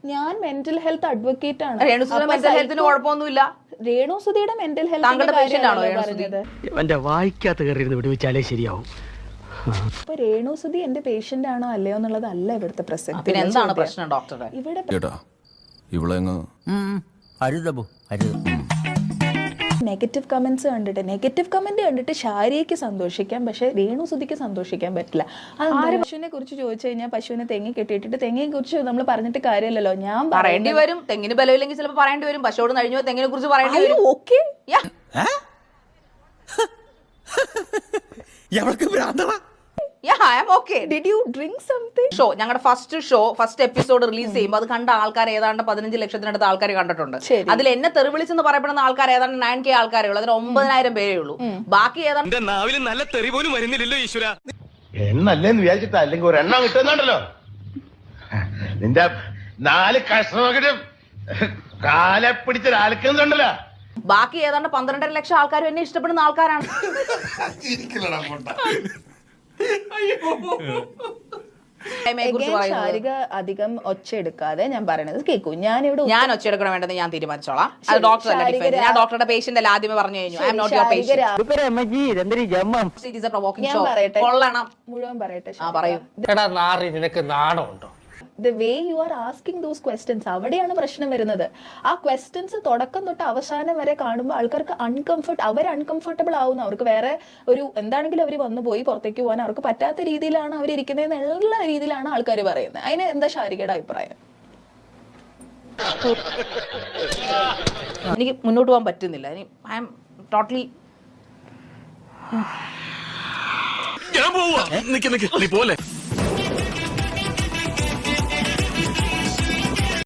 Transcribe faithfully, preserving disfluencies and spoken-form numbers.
ഞാൻ mental health advocate ആണ്. Mental ഹെൽത്തിന് കുഴപ്പമൊന്നുമില്ല. രേണുസുതിയുടെ മെന്റൽ താങ്കളുടെ പേഷ്യന്റ് ആണോ പറഞ്ഞത്? എന്റെ വായിക്കാത്ത കയറിയിരുന്ന് വിടുവിച്ചാലേ ശരിയാവും. അപ്പൊ രേണുസുതി എന്റെ പേഷ്യന്റ് ആണോ അല്ലയോ എന്നുള്ളതല്ല ഇവിടുത്തെ പ്രസക്തി. പിന്നെ എന്താണ് പ്രശ്നം ഡോക്ടറെ? ഇവിടെ നെഗറ്റീവ് കമന്റ്സ് കണ്ടിട്ട് നെഗറ്റീവ് കമന്റ് കണ്ടിട്ട് ഷാരിയയ്ക്ക് സന്തോഷിക്കാം, പക്ഷെ രേണുസുതിക്ക് സന്തോഷിക്കാൻ പറ്റില്ല. അത് പശുവിനെ കുറിച്ച് ചോദിച്ചു കഴിഞ്ഞാൽ പശുവിനെ തെങ്ങി കെട്ടിയിട്ടിട്ട് തെങ്ങിനെ കുറിച്ച് നമ്മൾ പറഞ്ഞിട്ട് കാര്യമല്ലല്ലോ. ഞാൻ പറയേണ്ടി വരും. തെങ്ങിന് ബലമില്ലെങ്കിൽ ചിലപ്പോൾ പറയേണ്ടി വരും. പശുവോട് കഴിഞ്ഞു തെങ്ങിനെ കുറിച്ച് പറയേണ്ടി വരും. ഓക്കെ ഷോ ഞങ്ങളുടെ first show first episode release ചെയ്യുമ്പോൾ അത് കണ്ട ആൾക്കാർ ഏതാണ്ട് പതിനഞ്ച് ലക്ഷത്തിനടുത്ത് ആൾക്കാർ കണ്ടിട്ടുണ്ട്. അതിൽ എന്നെ തെറിവിളിച്ചെന്ന് പറയപ്പെടുന്ന ആൾക്കാർ ഏതാണ്ട് നയൻ കെ ആൾക്കാരേ ഉള്ളൂ. അതിൽ ഒമ്പതിനായിരം പേരേ ഉള്ളൂ. ബാക്കി ഏതാണ്ട് നല്ല തെറി പോലും വരുന്നില്ലല്ലോ ഈശ്വര. എണ്ണല്ലേന്ന് വിചാരിച്ചിട്ടാ, അല്ലെങ്കിൽ ഒരു എണ്ണം കിട്ടുന്നുണ്ടല്ലോ. നിന്റെ നാല് കഷ്ണം കാലെ പിടിച്ചൊരാൾക്കുന്നുണ്ടല്ലോ. ബാക്കി ഏതാണ്ട് പന്ത്രണ്ടര ലക്ഷം ആൾക്കാരും എന്നെ ഇഷ്ടപ്പെടുന്ന ആൾക്കാരാണ്. ശാരിക അധികം ഒച്ച എടുക്കാതെ ഞാൻ പറയണത് കേൾക്കൂ. ഞാനിവിടെ ഞാൻ ഒച്ച എടുക്കണം വേണ്ടെന്ന് ഞാൻ തീരുമാനിച്ചോളാം. അത് ഡോക്ടർ ഞാൻ ഡോക്ടറുടെ പേഷ്യന്റ് അല്ല, ആദ്യമേ പറഞ്ഞു കഴിഞ്ഞു. I am not your patient. കൊള്ളണം മുഴുവൻ പറയട്ടെ. ആ പറയൂ. നിനക്ക് നാണമുണ്ടോ? The way you are asking those questions, അവിടെയാണ് പ്രശ്നം വരുന്നത്. ആ ക്വസ്റ്റ്യൻസ് തുടക്കം തൊട്ട് അവസാനം വരെ കാണുമ്പോൾ ആൾക്കാർക്ക് അൺകംഫർട്ട് അവർ അൺകംഫർട്ടബിൾ ആവുന്നു. അവർക്ക് വേറെ ഒരു എന്താണെങ്കിലും അവർ വന്നു പോയി പുറത്തേക്ക് പോകാൻ അവർക്ക് പറ്റാത്ത രീതിയിലാണ് അവരിയ്ക്കുന്നത് എന്നുള്ള രീതിയിലാണ് ആൾക്കാർ പറയുന്നത്. അതിന് എന്താ ശാരികയുടെ അഭിപ്രായം? എനിക്ക് മുന്നോട്ട് പോകാൻ പറ്റുന്നില്ല. ഐ ആം ടോട്ടലി ഞാൻ പോവാ. നിക്ക് നിക്ക് നീ പോലെ